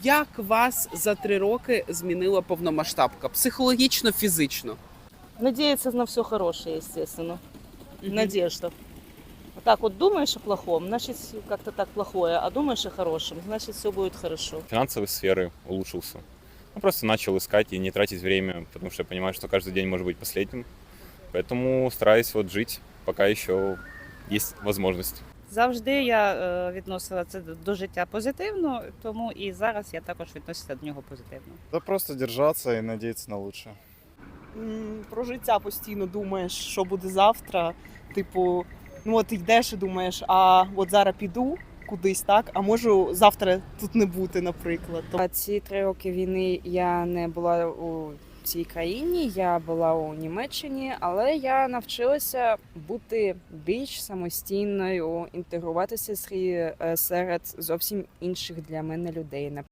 Як вас за 3 роки змінила повномасштабка? Психологічно, фізично? Надеяться на все хорошее, естественно. Мгм. Надежда. Вот так вот думаешь о плохом, значит, как-то так плохое, а думаешь о хорошем, значит, все будет хорошо. Финансовой сферы улучшился. Ну, просто начал искать и не тратить время, потому что я понимаю, что каждый день может быть последним. Поэтому стараюсь вот жить, пока еще есть возможность. Завжди я відносила це до життя позитивно, тому і зараз я також відноситься до нього позитивно. Да просто держаться и надеяться на лучшее. Про життя постійно думаєш, що буде завтра. Типу, ну от йдеш і думаєш, а от зараз піду кудись, так, а можу завтра тут не бути, наприклад. Ці 3 роки війни я не була у цій країні, я була у Німеччині, але я навчилася бути більш самостійною, інтегруватися серед зовсім інших для мене людей.